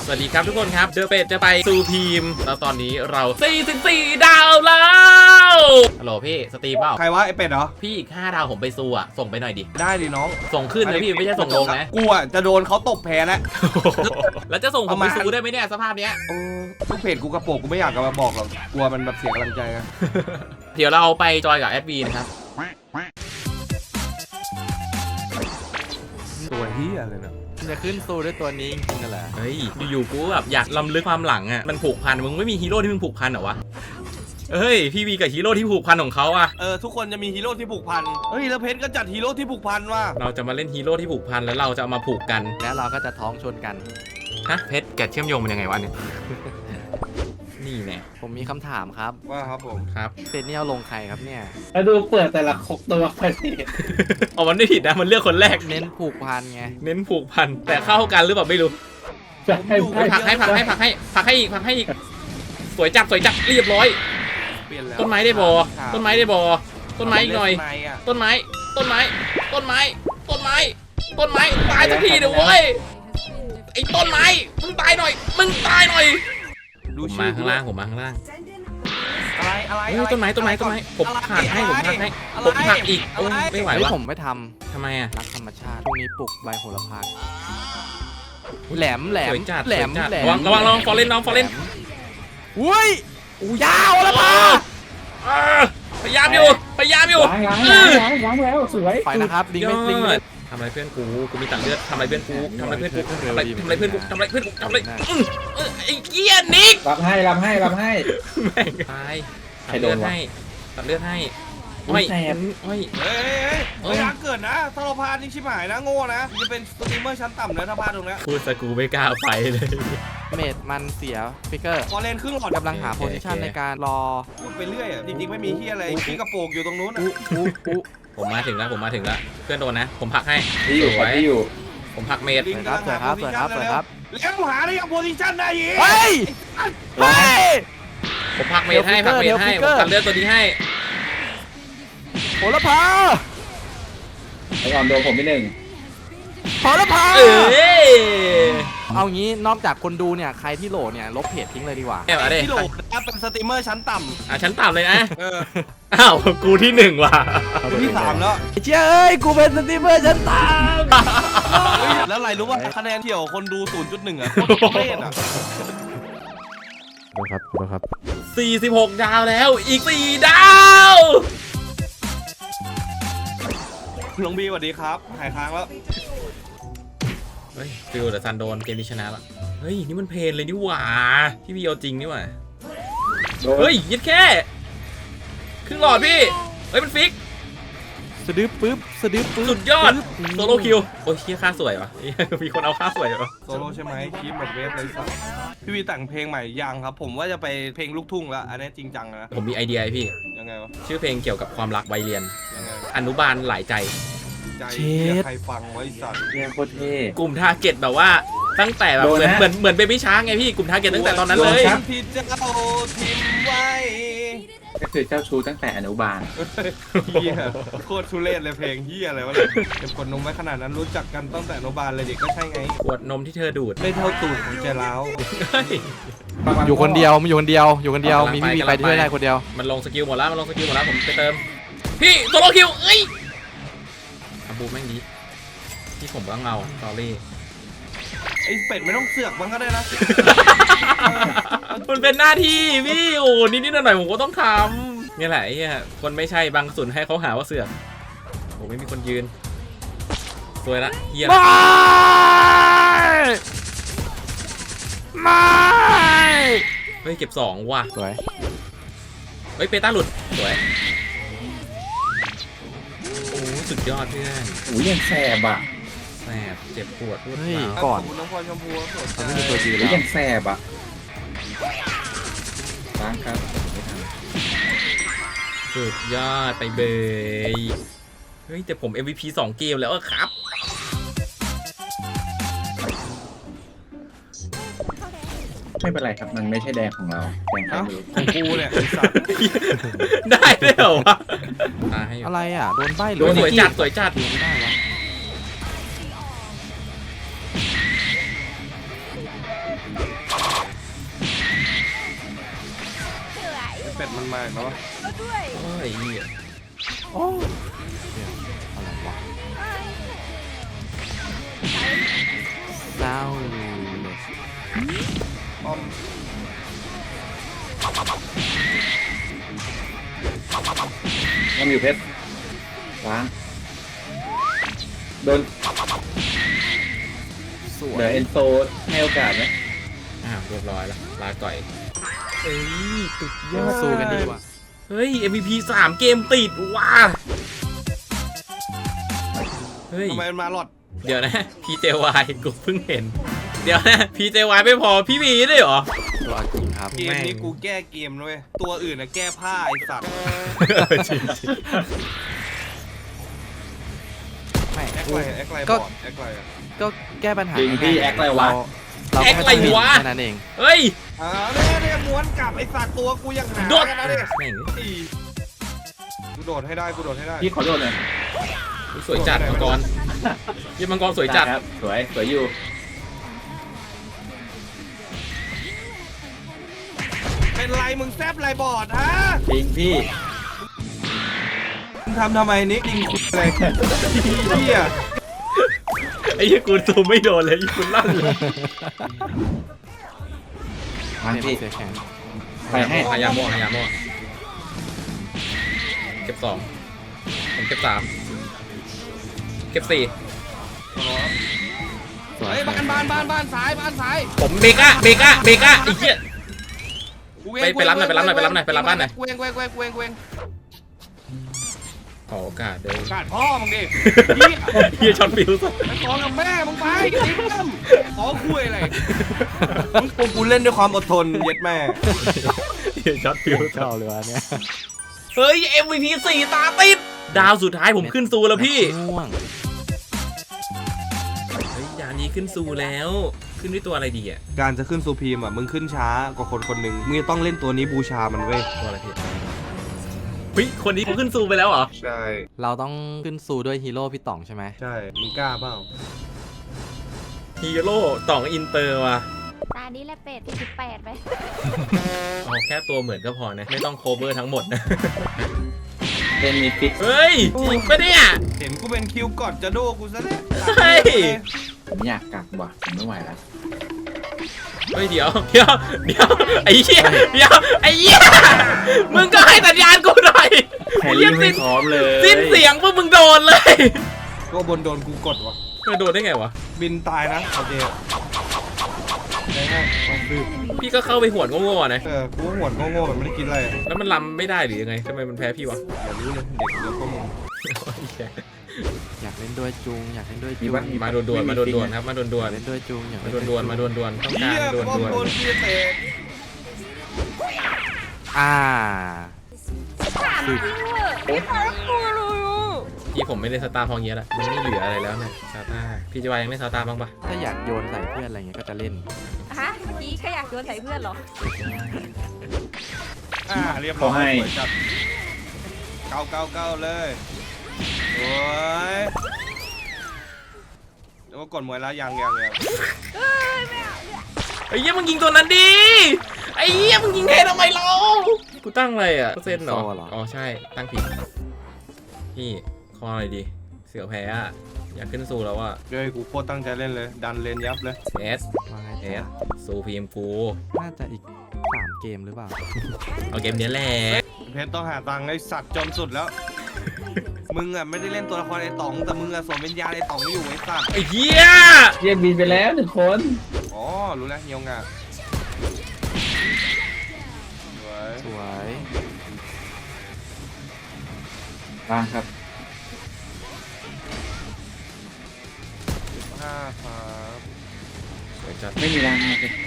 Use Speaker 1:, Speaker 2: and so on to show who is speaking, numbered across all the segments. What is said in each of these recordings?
Speaker 1: วัสดีครับทุกคนครับเดอะเป็ดจะไปสู่ทีมแล้วตอนนี้เรา44ดาวแล้วฮัลโหลพี่สตรีมเปล่า
Speaker 2: ใครวะไอเป็ดเหรอ
Speaker 1: พี่อีก5ดาวผมไปสู่อ่ะส่งไปหน่อยดิ
Speaker 2: ได้ดิน้อง
Speaker 1: ส่งขึ้นนะพี่ไม่ใช่ส่งลงนะ
Speaker 2: กูอ่ะจะโดนเขาตบแพ้แล้ว
Speaker 1: แล้วจะส่งผมไปสู่ได้ไหมเนี่ยสภาพเนี้ย
Speaker 2: โอ้ลูกเพจกูกระโปรงกูไม่อยากจะมาบอกหรอกกลัวมันแบบเสียกำลังใจนะ
Speaker 1: เดี๋ยวเราไปจอยกับแอดวีนะครับ
Speaker 2: ตัวเฮียเลยนะ
Speaker 3: จะขึ้นสู้ด้วยตัวนี้จริงๆนั่นแหละ
Speaker 1: เฮ้ยอยู่ๆกูแบบอยากล้ำลึกความหลังอ่ะมันผูกพันมึงไม่มีฮีโร่ที่มึงผูกพันเหรอวะเฮ้ยพี่วีกับฮีโร่ที่ผูกพันของเขาอ่ะ
Speaker 2: ทุกคนจะมีฮีโร่ที่ผูกพันเฮ้ยแล้วเพชรก็จัดฮีโร่ที่ผูกพันว่ะ
Speaker 1: เราจะมาเล่นฮีโร่ที่ผูกพันแล้วเราจะเอามาผูกกัน
Speaker 3: แล้วเราก็จะท้องชนกัน
Speaker 1: ฮะเพชรแกะเชื่อมโยงมันยังไงวะเนี่ย นี่แน่
Speaker 3: ผมมีคำถามครับ
Speaker 2: ว่าครับผม
Speaker 1: ครับ
Speaker 3: เซนนี่เอาลงใครครับเนี่ย
Speaker 4: แล้วดูเปิดแต่ละคกตัวไปสิ
Speaker 1: อ๋อมันไม่ผิดนะมันเลือกคนแรก
Speaker 3: เน้นผูกพันไง
Speaker 1: เน้นผูกพันแต่เข้ากันหรือเปล่าไม่รู้
Speaker 4: จะให้
Speaker 1: ผลักให้อีกสวยจัดเรียบร้อย
Speaker 2: เปลี่ยนแล้ว
Speaker 1: ต้นไม้ได้บอต้นไม้ได้บอต้นไม้อีกหน่อย
Speaker 2: ะ
Speaker 1: ต้นไม้ตายสักทีเดี๋ยวเว้ยไอ้ต้นไม้มึงตายหน่อย
Speaker 2: ดู
Speaker 1: ผม
Speaker 2: ชื่
Speaker 1: มา
Speaker 2: อ
Speaker 1: ข้างล่างผมมาข้างล่าง
Speaker 2: อะไร
Speaker 1: เฮ้ยต้นไม้ผมผลักให้ผมผลักอีกโอ้ยไม่ไหว
Speaker 3: เฮ้ยว
Speaker 1: ะ
Speaker 3: ผมไม่ท
Speaker 1: ทำไมอ่ะ
Speaker 3: ำรักธรรมชาติพวกนี้ปลูกใบโหระพาแหลม
Speaker 1: สวยจัด
Speaker 3: แหลม
Speaker 1: ระวังฟอร์เรนน้องฟอร์เรน
Speaker 3: อุ้ยยาวโหระพา
Speaker 1: พยายามอยู่
Speaker 4: ล้างแล้วสวย
Speaker 3: ไปนะครับลิงไม่ลิงไม่
Speaker 1: ทำอะไรเพื่อนกูมีตัดเลือดทำอะไรเพื่อนกูไอ้เกี้ยนิก
Speaker 4: รับให้
Speaker 1: แม่งตายตัดเลือดให้โอ้ย
Speaker 2: เฮ้ยรักเกิดนะถ้าเราพลาดนี่ชิบหายนะโง่นะจะเป็นสตรีมเมอร์ชั้นต่ำเลยถ้าพลาดตรงนี้
Speaker 1: พูดสกูไม่กล้าไปเลย
Speaker 3: เมดมันเสียฟิกเกอร์
Speaker 2: พอเลนครึ่งหลอด
Speaker 3: กำลังหาโพซิชันในการรอ
Speaker 2: พูดไปเรื่อยอ่ะจริงๆไม่มีที่อะไรที่กระโปรงอยู่ตรงนู้นอ่ะ
Speaker 1: ผมมาถึงแล้วเเพื่อนโดนนะผมผลักให้
Speaker 4: ที่อยู่
Speaker 1: ผมผลักเมด
Speaker 3: สวยครับ
Speaker 2: แล้วหาได้ยังโพซิชั่นได้ยิง
Speaker 3: เฮ้ย
Speaker 1: ผมผลักเมดให้ผมตัดเลือดตัวนี้ให้
Speaker 3: โหระพา
Speaker 4: ไอ้ก่อนโดนผมไปหนึ่ง
Speaker 3: โหระพา เอางี้นอกจากคนดูเนี่ยใครที่โหลเนี่ยลบเพจทิ้งเลยดีกว่า
Speaker 1: แอบอะไร
Speaker 2: ที่โหลดนะเป็นสตรีมเมอร์ชั้นต่
Speaker 1: ชั้นต่ำเลยนะ
Speaker 2: ำ
Speaker 1: อ้าวกูที่1ว่ะ
Speaker 2: ที่3แล้ว
Speaker 3: เจ้ยกูเป็นสตรีมเมอร์ชั้นต่
Speaker 2: แล้วอะไรรู้ว่าคะแนนเที่ยวคนดู 0.1 อ่ะโคตรเล่นอ่ะ
Speaker 3: ำดูครับ
Speaker 1: 46 ดาวแล้วอีก4ดาว
Speaker 2: หลวงบีสวัสดีครับหายค้างแล้ว
Speaker 1: เฮ้ยฟิลแต่ซันโดนเกมนี้ชนะละเฮ้ยนี่มันเพลนเลยนี่หว่าพี่พีเอาจริงนี่หว่าเฮ้ยยัดแค่ครึ่งหลอดพี่เฮ้ยมันฟิก
Speaker 3: สะดื้อปึ๊บ
Speaker 1: สุดยอดโซโลคิวโอ้ยเฮียค่าสวยวะมีคนเอาค่าสวยวะ
Speaker 2: โซโล่ใช่ไหมคลิปหมดเวฟเลยสัสพี่วีแต่งเพลงใหม่ยังครับ ผมว่าจะไปเพลงลูกทุ่งแล้วอันนี้จริงจังนะ
Speaker 1: ผมมีไอเดียให้พี่
Speaker 2: ยังไงวะ
Speaker 1: ชื่อเพลงเกี่ยวกับความรักวัยเรียน
Speaker 2: ยังไง
Speaker 1: อนุบาลหลายใจ
Speaker 2: ใจเหี้ยใครฟังไว้สัตว์
Speaker 4: เนี่ยโคตรเท่
Speaker 1: กลุ่มทาร์เก็ตแบบว่าตั้งแต่แบบเหมือนเบบี้ช้างไงพี่กลุ่มทาร์เก็ตตั้งแต่ตอนนั้นเลย
Speaker 2: ที่เจ้าทิ้งไว้
Speaker 4: ก็คือเจ้าชู้ตั้งแต่อนุบาล
Speaker 2: เฮียโคตรทุเรศเลยเพลงเฮียอะไรวะเนี่ยเก็บกดนมไว้ขนาดนั้นรู้จักกันตั้งแต่อนุบาลเลยเด็กก็ใช่ไง
Speaker 1: ขวดนมที่เธอดูด
Speaker 2: ไม่เท่าตูดของใจร้าว
Speaker 1: เฮ้ย
Speaker 3: อยู่คนเดียวมีพี่วีไปที่ได้คนเดียว
Speaker 1: มันลงสกิลหมดแล้วผมไปเติมพี่โซโลคิวเอ้ยอาบูแม่งดีที่ผมต้องเอาสอรี่
Speaker 2: ไอ้เป็ดไม่ต้องเสือกมันก็ได้นะ
Speaker 1: มันเป็นหน้าที่พี่โอ้นิดหน่อยผมก็ต้องทำเนี่ยแหละไอ้เหี้ยคนไม่ใช่บางส่วนให้เขาหาว่าเสือกโอ้ไม่มีคนยืนสวยละเฮีย
Speaker 3: ไม่
Speaker 1: เฮ้ยเก็บ2ว่ะ
Speaker 3: สวย
Speaker 1: เฮ้ยเปต้าหลุดสวยโอ้สุดยอดเพื่อน
Speaker 4: อุ้ยยังแสบอ่ะ
Speaker 1: แสบเจ็บปวดรวด
Speaker 3: เฮ้ย
Speaker 1: ร้าว
Speaker 3: ก่อน
Speaker 2: ขบคุณน้องพลอยชมพูสด
Speaker 3: เขาไม่มีตัวยืน
Speaker 4: อุ้ย
Speaker 3: แล้ว
Speaker 4: ยังแสบอ่ะล้างครับไม่ทัน
Speaker 1: สุดยอดไปเบยเฮ้ยแต่ผม MVP 2 เกมแล้วอะครับ
Speaker 4: ไม่เป็นไรครับมันไม่ใช่แดงของเราแดงใคร
Speaker 2: เอ้า
Speaker 4: ไม่รู้
Speaker 2: ของกูเนี่ยไอ้สัตว์
Speaker 1: ได้ด้วยเหรอวะให้อยู่
Speaker 3: อะไรอ่ะโดนใบหรื
Speaker 1: โด
Speaker 3: อน
Speaker 1: สวยจัดสวยจัด
Speaker 3: ไม่ได้วะ
Speaker 2: เป็ดมันมาอีกแล้ววะ
Speaker 1: โอ้ยเหี้ย
Speaker 3: โอ้เนี่ยอะไรวะเศร้าเลย
Speaker 2: ป้อม
Speaker 4: น้ำอยู่เพชรล้างโดน
Speaker 3: สว
Speaker 4: เดี๋ย
Speaker 3: ยว
Speaker 4: เอ็นโซให้โอกาสไหม
Speaker 1: อ้าวเรียบร้อยแล้วลาก่อยเอ้ยตุดยอด
Speaker 3: สู้กันดีกว่า
Speaker 1: เฮ้ย MVP 3 เกมติดว้าเฮ้ย
Speaker 2: ทำไมมันมาหลอด
Speaker 1: เดี๋ยวนะ PJY กูเพิ่งเห็น เดี๋ยวนะ PJY ไม่พอพี่มีด้วยเหรอ
Speaker 3: ตัวจริงครับ
Speaker 2: เกมนี้กูแก้เกมด้วยตัวอื่นนะแก้ผ้าไอสัตว์
Speaker 1: จริง
Speaker 3: ไม่
Speaker 2: แอคไลน์แอคไลน์บ
Speaker 3: ก็
Speaker 2: อร์ดแอคไลน์อะ
Speaker 3: ก็แก้ปัญหา
Speaker 4: จริงพี่แอคอะไรวะ
Speaker 3: เราก็ไม่ต้องบินแค่นั้นเอง
Speaker 1: เฮ้ย
Speaker 2: เนี่ยม้วนกลับไอสัตว์ตัวกูยังหา
Speaker 1: โดด
Speaker 2: กันนะเนี่ย
Speaker 1: แม่ง
Speaker 2: กูโดดให้ได้กูโดดให้ได้
Speaker 4: พี่ขอโทษเลย
Speaker 1: สวยจัดมังกรยี่มังกรสวยจัด
Speaker 4: ไครับสวยสวยอยู่
Speaker 2: เป็นไรมึงแซบไรบอร์ดฮะ
Speaker 4: จริงพี่
Speaker 2: มึงทำไมนิกยิงกูอะไรเฮีย
Speaker 1: ไอ้ยี่กูตูไม่โดนเลยยี่กูลั่นเลย
Speaker 4: ทางพี่
Speaker 3: เสียแข็ง
Speaker 4: ไปให้
Speaker 1: พยายามมั่วเก็บ 2 ผมเก็บ 3 เก็บ 4
Speaker 3: สวย
Speaker 2: เฮ้ยบ้านซ้ายบ้านซ้าย
Speaker 1: ผมเบก้าไอ้เหี้ย
Speaker 2: กูเง
Speaker 1: ไปรับหน่อยไปรับบ้านหน่อย
Speaker 2: กูเอง
Speaker 1: ขอโอกาสเดี๋ยว
Speaker 2: กาดพ่อมึงดิ
Speaker 1: เฮียช็อตฟิวส์
Speaker 2: ไปขอกับแม่มึงไปดิ้มขอคุยอะไรมึงกูเล่นด้วยความอดทนเย็ดแม่
Speaker 1: เฮียช็อตฟิวส์
Speaker 3: เข้าเลยวะเนี่ย
Speaker 1: เฮ้ย MVP 4 ตาติด ดาวสุดท้ายผมขึ้นซูแล้วพี่
Speaker 3: ง่วง
Speaker 1: เฮ้ยดาวนี้ขึ้นซูแล้ว ขึ้นด้วยตัวอะไรดีอ่ะ
Speaker 2: การจะขึ้นซูพีมอ่ะมึงขึ้นช้ากว่าคนคนหนึ่งมึงจะต้องเล่นตัวนี้บูชามันเว้ย
Speaker 1: ตัวอะไรพี่เฮ้ยคนนี้เขาขึ้นซูไปแล้วเหรอ
Speaker 2: ใช่
Speaker 3: เราต้องขึ้นซูด้วยฮีโร่พี่ต่องใช่ไหม
Speaker 2: ใช่มึงกล้าเปล่า
Speaker 1: ฮีโร่ต่องอินเตอร์ว่ะ
Speaker 5: ตานี้แหละเป็ด18ไป
Speaker 1: เอาแค่ตัวเหมือนก็พอนะ ไม่ต้องโคเวอร์ทั้งหมดนะ
Speaker 4: เล่นมีฟิก
Speaker 1: เฮ้ย จริงปะเนี่ย
Speaker 2: เห็นกูเป็นคิวกอดจะโดกูซะแล้ว
Speaker 1: เฮ้ย
Speaker 4: ผมอยากกลับว่ะผมไม่ไหวแล้ว
Speaker 1: เฮ้ยเดี๋ยวไอ้เหี้ยไอ้เหี้ยมึงก็ให้สัญญาณกูหน่อย
Speaker 4: แฮร์รี่ไม่พร้อมเลย
Speaker 1: สิ้นเสียงปุ๊บมึงโดนเลย
Speaker 2: ก็บนโดนกูกดวะ
Speaker 1: ไม่โดนได้ไงวะ
Speaker 2: บินตายนะโอเคได้ลองดู
Speaker 1: พี่ก็เข้าไปหวดโง่ๆนะ
Speaker 2: กูหัวโง่ๆมันไม่ได้กินอะไร
Speaker 1: แล้วมันลำไม่ได้หรือยังไงทำไมมันแพ้พี่วะ
Speaker 2: อย่ารู้เลยเด็กเดี๋ยวก็มึง
Speaker 3: อยากเล่นด้วยจุงอยากเล่นด้วย
Speaker 4: มี
Speaker 3: จุง
Speaker 4: บ้าน
Speaker 1: มาด่วนๆครับมาด่วน
Speaker 3: เล่นด้วยจุงอยาก
Speaker 1: ๆ
Speaker 3: เล่
Speaker 1: มาน ด่วนๆต้อง
Speaker 2: เฮี
Speaker 1: การ
Speaker 2: ย
Speaker 1: ด่วน
Speaker 2: ป้อมโดนพี่เตะ
Speaker 3: อ่า
Speaker 5: ถามจริงเหรอไม่ขอกูรู้
Speaker 1: ๆพี่ผมไม่ได้สตาร์พองเยอะละมันไม่เหลืออะไรแล้วนะซาตาพี่จะวายังไม่ซาตาบ้างปะ
Speaker 3: ถ้าอยากโยนใส่เพื่อนอะไรเงี้ยก็จะเล่น
Speaker 5: ฮะเมื่อกี้แค่อยากโยนใส่เพื่อนเหรอ
Speaker 2: เรียบร้อยจัดเก้าเลยโอ้ยแล้วก็กดมวยแล้วยัง
Speaker 1: ไอ้เหี้ยมึงยิงตัวนั้นดิไอ้เหี้ยมึงยิงเททำไมเรากูตั้งอะไรอ่ะเปอร์เซ็นต์เหรออ๋อใช่ตั้งผิดพี่คออะไรดีเสือแพ้อะอยากขึ้นสู่แล้วอ่ะ
Speaker 2: เฮ้ยกูโคตรตั้งใจเล่นเลยดันเลนยับเลย
Speaker 1: เอส
Speaker 3: ว่าไง
Speaker 1: เอ
Speaker 3: จ๊ะ
Speaker 1: สซูพีเอ็มกู
Speaker 3: น่าจะอีก3 เกมหรือเปล่า
Speaker 1: เอาเกมนี้แหละ
Speaker 2: เพชรต้องหาตังค์ไอ้สัตว์จนสุดแล้ว มึงอ่ะไม่ได้เล่นตัวละครไอ้ต๋องแต่มึงอ่ะสวมวิญญาณไอ้ต๋องอยู่ไอ้สัตว์
Speaker 1: ไอ้เหี้ย
Speaker 4: เรียกบินไปแล้ว1 คน
Speaker 2: อ๋อรู้แล้วเฮียวงาสวย
Speaker 3: สวย
Speaker 4: บ้างครับ
Speaker 2: 5ครับ
Speaker 1: สวยจัด
Speaker 4: ไม่มีแรงมากเลย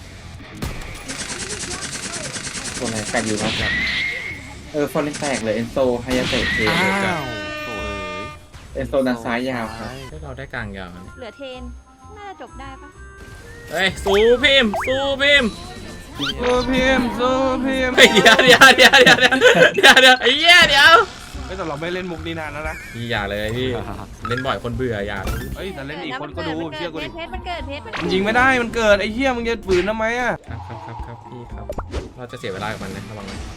Speaker 4: ตัวอะไรแตกอยู่ครับฟอร์เรนแตกเลยเอนโซไฮยาเตะเท
Speaker 3: อ้าวโถ่เอ้ย
Speaker 4: เอนโซด้านซ้ายยาวครับ
Speaker 1: ให้เราได้กลางยาว
Speaker 5: เหลือเทน น่าจะจบได้ปะ
Speaker 1: เฮ้ยสู้พิมพ์
Speaker 2: สู้พิมพ์
Speaker 1: เฮ้ยเดี๋ยวไอ้เหี้ยเดี๋ยว
Speaker 2: ไม่แต่เราไม่เล่นมุกนี้นานแล้วนะ
Speaker 1: พี่อย่าเลยพี่เล่นบ่อยคนเบื่ออย่า
Speaker 2: เอ้ยแต่เล่นอีกคนก็ดูเชื่อกูดิ
Speaker 5: เพชรมันเกิดเพชรมัน
Speaker 2: มันยิงไม่ได้มันเกิดไอ้เหี้ยมึงจะฝืนทำไมอ่ะ
Speaker 1: ครับพี่ครับเราจะเสียเวลากับมันนะระวังนะ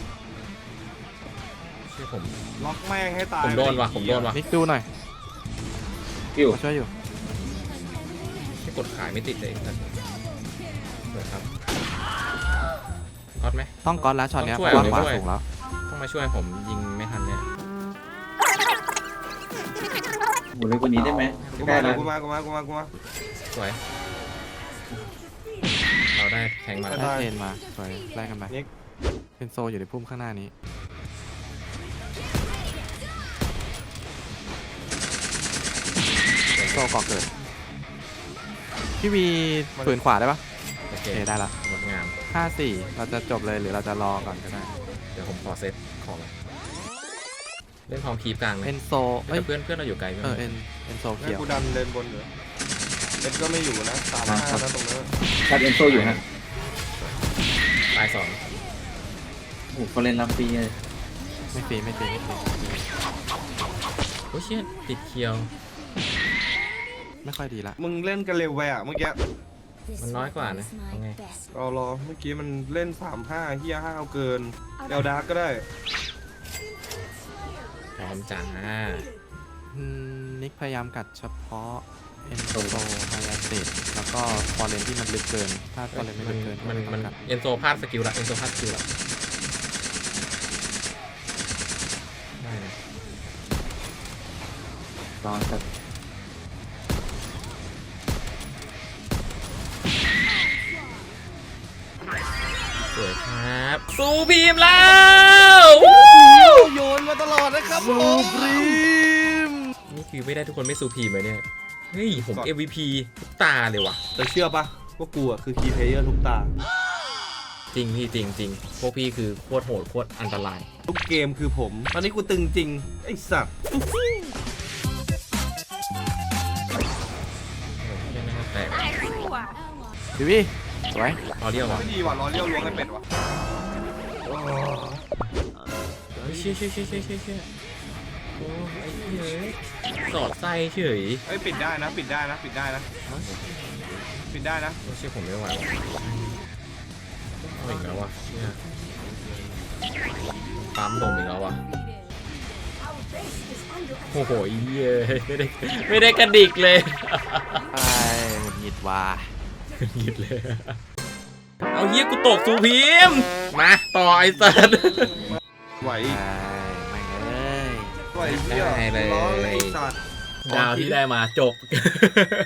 Speaker 1: ชื่อผม
Speaker 2: ล็อกแม่งให้ตาย
Speaker 1: ผมโดนว่ะผมโดนว่ะ
Speaker 3: นิกดูหน่อย
Speaker 4: คิว
Speaker 3: มาช่วยอยู่
Speaker 1: ที่กดขายไม่ติดเลยครับเปิดครับก๊อตไหม
Speaker 3: ต้องก้อนแล้วช็อตเนี้ย
Speaker 1: ต้องช่วย
Speaker 3: ก้อนขวา
Speaker 1: ต้องช่วย
Speaker 3: สูงแล้ว
Speaker 1: ต้องมาช่วยผมยิงไม่ทันเนี่ย
Speaker 4: หมุนเร็วกว่านี้ได้ไหม
Speaker 2: กู
Speaker 4: ใกล้
Speaker 2: มา
Speaker 4: แล้ว
Speaker 2: กูมากูมากูมากูมา
Speaker 1: สวยเราได้แทงมา
Speaker 3: ได้เทรนมาสวยไล่กันไป
Speaker 2: นิก
Speaker 3: เป็นโซอยู่ในพุ่มข้างหน้านี้โซเกาะเกิดพี่วีฝืนขวาได้ปะ
Speaker 1: โอเค
Speaker 3: โอเคได้ละ
Speaker 1: งดงาม
Speaker 3: 5-4เราจะจบเลยหรือเราจะรอก่อนก็ได้
Speaker 1: เดี๋ยวผมขอเซตของเล่นพร้อมคีบกลางไหม
Speaker 3: เอ็นโซเอ้
Speaker 1: แต่
Speaker 3: ย
Speaker 1: เพื่อนเราอยู่ไกลไหม
Speaker 3: เอ็นโซ
Speaker 2: แม่
Speaker 3: เขียว
Speaker 2: กูดันเลนบนเหรอเอ็ดก็ไม่อยู่นะ3-5นะตรงนั้น
Speaker 4: ชัดเอ็นโซอยู่ฮะ
Speaker 1: ตายสอง
Speaker 4: โอ้โหเขาเล่นลำปีเลย
Speaker 3: ไม่ฟรีไม่ฟรี
Speaker 1: โอ้ยเชี่ยติดเคียว
Speaker 3: ไม่ค่อยดีละ
Speaker 2: มึงเล่นกันเร็วไปอ่ะเมื่อกี้
Speaker 1: มันน้อยกว่านะเอาไง
Speaker 2: รอเมื่อกี้มันเล่น3-5เฮีย5เอาเกินเอลดาร์กก็ได้
Speaker 1: พร้อมจ้า
Speaker 3: นิกพยายามกัดเฉพาะเอ็นโซไฮไลท์เตดแล้วก็ฟอร์เรนที่มันลึกเกิน ถ้าฟอร์เรนไม่ลึกเกิน
Speaker 1: มัน
Speaker 3: ก็ต้องกัด
Speaker 1: เอ็นโซพลาดสกิลละเอ็นโซพลาดสกิลละได้นะ
Speaker 4: รอสัก
Speaker 1: สวยครับสู้พีมแล้ว
Speaker 2: โยนมาตลอดนะครับผม
Speaker 1: นี่คือไม่ได้ทุกคนไม่สู้พีมเลยเนี่ยเฮ้ยผม MVP ทุกตาเลยว่ะ
Speaker 2: แต่เชื่อปะว่ากูอ่ะคือคีย์เพลเยอร์ทุกตา
Speaker 1: จริงพี่จริงพวกพี่คือโคตรโหดโคตรอันตราย
Speaker 2: ทุกเกมคือผม ตอนนี้กูตึงจริง ไอ้สัตว์
Speaker 1: แต่
Speaker 5: ตายคู่อ่ะ
Speaker 3: พี่วีสวย
Speaker 1: รอเรียววะ
Speaker 2: ไม่ดีว่ะล้อเลี้ยวล้วงให้เป็ดว่ะ
Speaker 1: เฮ้ยเชี่ยโอ้ไอ้เฮ้ยสอดไส้เฉย
Speaker 2: เอ้ยปิดได้นะ ปิดได้นะ ปิดได้นะ ปิดได้นะ
Speaker 1: ไม่เชื่อผมไม่ไหวว่ะเอาอีกแล้วว่ะเนี่ยปั๊มลมอีกแล้วว่ะโอ้โหเย้ยไม่ได้กระดิกเลย
Speaker 3: ไอ้หงุดหงิดว่ะ
Speaker 1: หยิดเลย เอาเฮียกูตกสูพีมมาต่อไอ้สัส
Speaker 2: ไหว
Speaker 3: ไอ้ไม่งเอ้ย
Speaker 2: ไหวเหี้ย
Speaker 1: ได้เลย
Speaker 2: ล้อเลยไอ้สัตว์
Speaker 1: ดาวที่ได้มาจบ